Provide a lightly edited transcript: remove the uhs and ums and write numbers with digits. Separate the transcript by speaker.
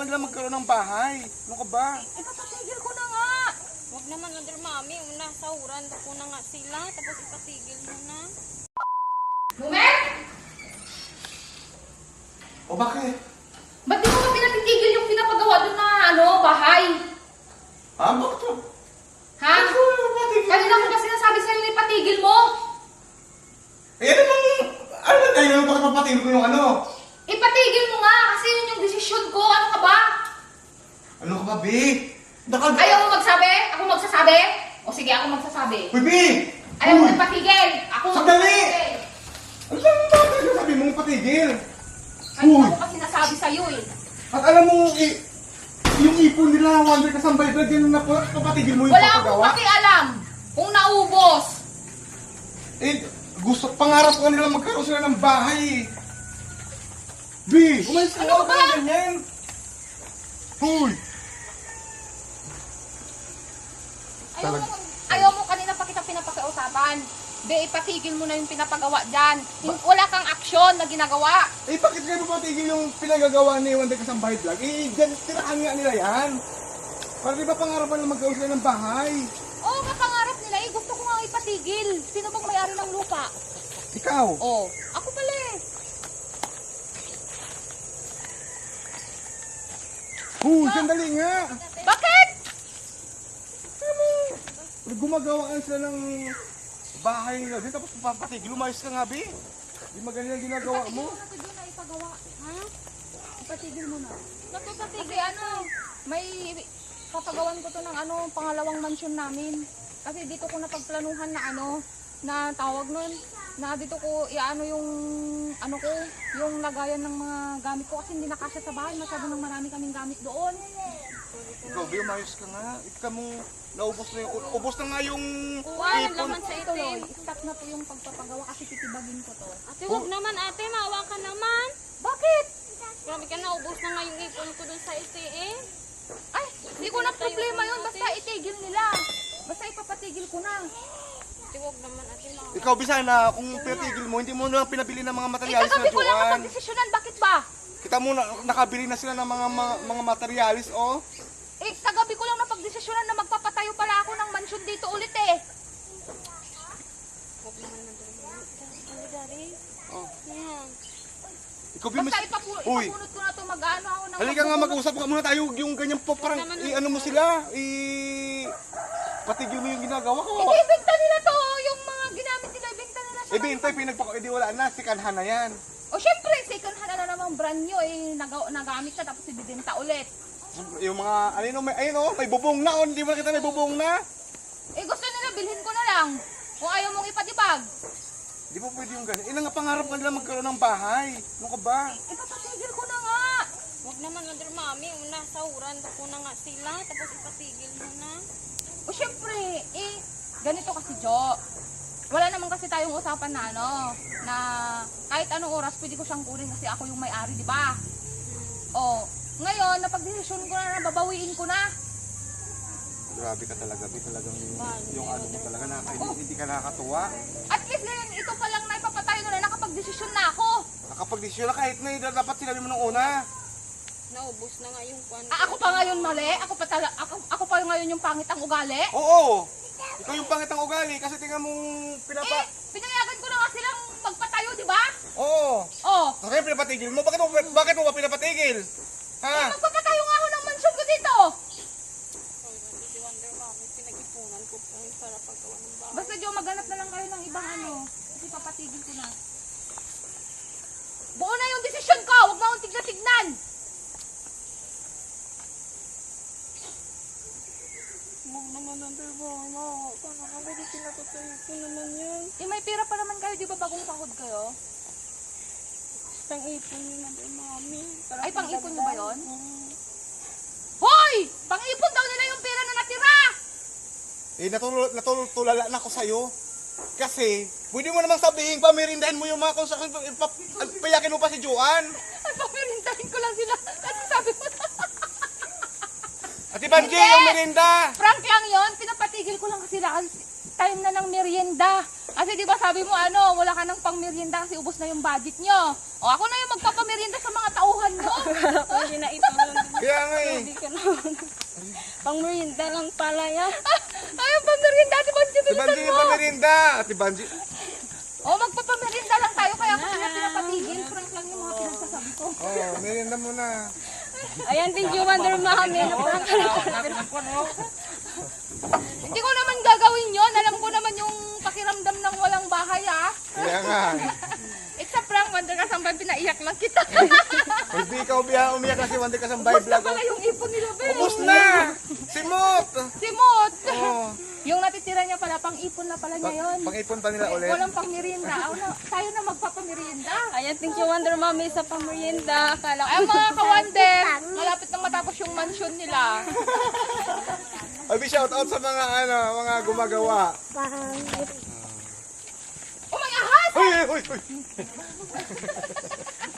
Speaker 1: nila magkaroon ng bahay. Ano ka ba?
Speaker 2: Ipapatigil ko na nga.
Speaker 3: Huwag naman, Wonder Mami. Una, sahuran ko na nga sila. Tapos ipatigil mo na.
Speaker 2: Lumer?
Speaker 1: O bakit?
Speaker 2: Ba't di mo pa pinatigil yung pinapagawa doon na bahay?
Speaker 1: Bakit to?
Speaker 2: Ha? Kanina ko ba sinasabi sa'yo na ipatigil mo?
Speaker 1: Ano ba tayo? Bakit mapatigil ko yung ano?
Speaker 2: Ipatigil mo nga kasi yun yung desisyon ko. Ano ka ba?
Speaker 1: Ano ka ba, Bi?
Speaker 2: Ayaw mo magsabi? Ako magsasabi? O sige, ako magsasabi.
Speaker 1: Uy, Bi!
Speaker 2: Ayaw mo ipatigil? Ako
Speaker 1: Sandali!
Speaker 2: magsasabi.
Speaker 1: Ano ba sabi mong patigil?
Speaker 2: Kanina ko pa sinasabi sa'yo eh.
Speaker 1: At alam mo, yung ipon nila, Wonder Kasambay Vlog, yan na po, papatigil mo yung
Speaker 2: Wala akong
Speaker 1: papagawa?
Speaker 2: pakialam kung naubos.
Speaker 1: Pangarap ko nila magkaroon sila ng bahay. Bi, umalis ka
Speaker 2: Ano
Speaker 1: na
Speaker 2: ba?
Speaker 1: ganyan. Hoy!
Speaker 2: Ayaw mo kanina pa kita pinapakiusapan. Be, ipatigil mo na yung pinapagawa dyan. Wala kang aksyon na ginagawa.
Speaker 1: Bakit kayo papatigil yung pinagagawa ni Wonder Kasambay Vlog? Dyan, tirahan nga nila yan. Para di ba pangarapan na magkaroon sila ng bahay?
Speaker 2: Oo, kapangarap nila eh. Gusto ko nga ipatigil. Sino bang may-ari ng lupa?
Speaker 1: Ikaw?
Speaker 2: Oo. Ako pala eh.
Speaker 1: Sandali nga.
Speaker 2: Bakit?
Speaker 1: Gumagawa sila ng bahay nila din, tapos papatigil. Umayos ka nga, Bi. Di magaling ang ginagawa mo.
Speaker 2: Ipatigil mo na doon na ipagawa. Ha? Ipatigil mo na.
Speaker 3: Napapatigil
Speaker 2: Kasi may papagawan ko to ng pangalawang mansyon namin. Kasi dito ko napagplanuhan na na tawag nun, na dito ko yung lagayan ng mga gamit ko kasi hindi nakasya sa bahay, masyado nang marami kaming gamit doon.
Speaker 1: Ikaw, Bi, umayos ka nga. Ikaw mong naubos na yung, ubos na nga yung
Speaker 3: Wala
Speaker 1: ipon.
Speaker 3: naman sa
Speaker 2: Tuloy,
Speaker 3: itim.
Speaker 2: stop na po yung pagpapagawa kasi titibagin ko to.
Speaker 3: Ate, huwag naman ate. Maawa ka naman.
Speaker 2: Bakit?
Speaker 3: Grabe ka na. Ubos na nga yung ipon ko dun sa itim.
Speaker 2: Ay, hindi ko na problema yun, basta itigil nila. Basta ipapatigil ko na.
Speaker 3: Ate, huwag naman ate. Maawa.
Speaker 1: Ikaw, Bi, sana kung pinatigil mo, hindi mo na pinabili ng mga materialis
Speaker 2: Kagabi
Speaker 1: na
Speaker 2: ko lang
Speaker 1: Joan.
Speaker 2: napagdesisyonan, bakit ba?
Speaker 1: Kita mo, nakabili na sila ng mga materialis, oh.
Speaker 2: Kagabi ko lang napagdesisyonan na magpapatayo pala ako ng mansyon dito ulit eh.
Speaker 3: Huwag naman Ano, Dari?
Speaker 1: Oh.
Speaker 3: Yan.
Speaker 1: Ikaw, Bi,
Speaker 2: Basta
Speaker 1: Uy,
Speaker 2: ipapunot ko na to mag-ano ako ng
Speaker 1: halika nga, mag-usap ka muna tayo. Yung ganyan po, parang, ano mo sila, patigil mo yung ginagawa ko.
Speaker 2: Ibenta nila to, yung mga ginamit nila, ibenta nila sa
Speaker 1: Bintay, wala na, sikanhan na yan.
Speaker 2: O syempre, second hand na namang brand nyo nagamit na tapos ibibenta ulit.
Speaker 1: Yung mga, may bubong na, hindi mo nakita may bubong na.
Speaker 2: Gusto nila, bilhin ko na lang. Kung ayaw mong ipatibag.
Speaker 1: Di ba pwede yung ganyan? Ilang nga pangarap ka nila magkaroon ng bahay. Ano ka ba?
Speaker 2: Ipapatigil ko na nga.
Speaker 3: Huwag naman, Wonder Mami. Una, sahuran ko na nga sila. Tapos ipatigil mo na.
Speaker 2: O syempre, ganito kasi Jo. Wala naman kasi tayong usapan na na kahit anong oras pwede ko siyang kunin kasi ako yung may-ari, di ba? O, ngayon, napag-desisyon ko na, babawiin ko na.
Speaker 1: Grabe ka talaga, talagang yung ano mo talaga, hindi ka nakakatuwa.
Speaker 2: At least ngayon, ito pa lang na ipapatayo ko na, nakapag-desisyon na ako.
Speaker 1: Nakapag-desisyon na kahit na dapat sinabi mo nung una.
Speaker 3: Naubos na nga yung kwan.
Speaker 2: Ako pa ngayon mali? Ako pa ngayon yung pangit ang ugali?
Speaker 1: Oo! Ikaw yung pangit ang ugali kasi tingnan mong
Speaker 2: Pinayagan ko na nga silang magpatayo, di ba?
Speaker 1: Oo!
Speaker 2: Oh.
Speaker 1: Kaya pinapatigil mo? Bakit mo ba pinapatigil? Ha?
Speaker 2: Magpapatayo nga ako ng mansyon ko dito.
Speaker 3: Si Wonder Mami, pinag-ipunan ko po yung para paggawa ng bahay.
Speaker 2: Basta Jo, maghanap na lang kayo ng ibang kasi papatigil ko na. Buo na yung desisyon ko, huwag mo akong tignan-tignan.
Speaker 3: Huwag naman, Wonder Mami. Maawa ka na. Kapag pinapatayo ko naman yan.
Speaker 2: May pera pa naman kayo, di ba bagong sahod kayo?
Speaker 3: Pang-ipon yun, Wonder Mami.
Speaker 2: Ay, pang-ipon nyo ba yun? Hoy! Pang-ipon daw nila yung pera na natira!
Speaker 1: Natulala na ako sa'yo. Kasi, pwede mo namang sabihin, pamirindahin mo yung mga construction, payakin mo pa si Joan.
Speaker 2: Ay, papirintahin ko lang sila. Kasi sabi mo na.
Speaker 1: Ate Banji, yung merinda.
Speaker 2: Frank lang yon, pinapatigil ko lang kasi time na ng merienda. Kasi di ba sabi mo wala ka ng pang merienda kasi ubos na yung budget nyo. O ako na yung magpapamerienda sa mga tauhan nyo.
Speaker 3: Pwede na ito.
Speaker 1: Kaya nga eh.
Speaker 3: Hindi ka naman. Pang merienda lang pala yan.
Speaker 2: Ay, ang pamerinda, Ate Banji,
Speaker 1: Si
Speaker 2: bilisan
Speaker 1: Banji
Speaker 2: mo.
Speaker 1: yung pamirinda. Ate Banji.
Speaker 2: Oh, magpapamerinda lang tayo, kaya ako sila pinapatigil. Prank lang yung mga pinagsasabi ko.
Speaker 1: Oh, merienda muna.
Speaker 3: Ayan, thank you, Wonder Mami.
Speaker 2: Hindi ko naman gagawin yon. Alam ko naman yung pakiramdam ng walang bahay, ah.
Speaker 1: Kaya nga.
Speaker 2: It's a prank, Wonder Kasambay, pinaiyak lang kita.
Speaker 1: Hindi ka umiyak kasi Wonder Kasambay
Speaker 2: Ubus na
Speaker 1: vlog.
Speaker 2: pala yung ipon nila, be.
Speaker 1: Ubus na! Simot!
Speaker 2: Simot.
Speaker 1: Oh.
Speaker 2: Yung natitira niya pala, pang-ipon na pala niya yun.
Speaker 1: Pang-ipon pa nila ulit.
Speaker 2: Walang pang-merienda. Tayo na magpapamerienda.
Speaker 3: Ayan, thank you, Wonder Mami, sa pang merienda. Akala ko.
Speaker 2: Ay, mga kawander, malapit nang matapos yung mansion nila.
Speaker 1: Abi, shout out sa mga mga gumagawa.
Speaker 2: Oh, may ahas!
Speaker 1: Uy, uy, uy.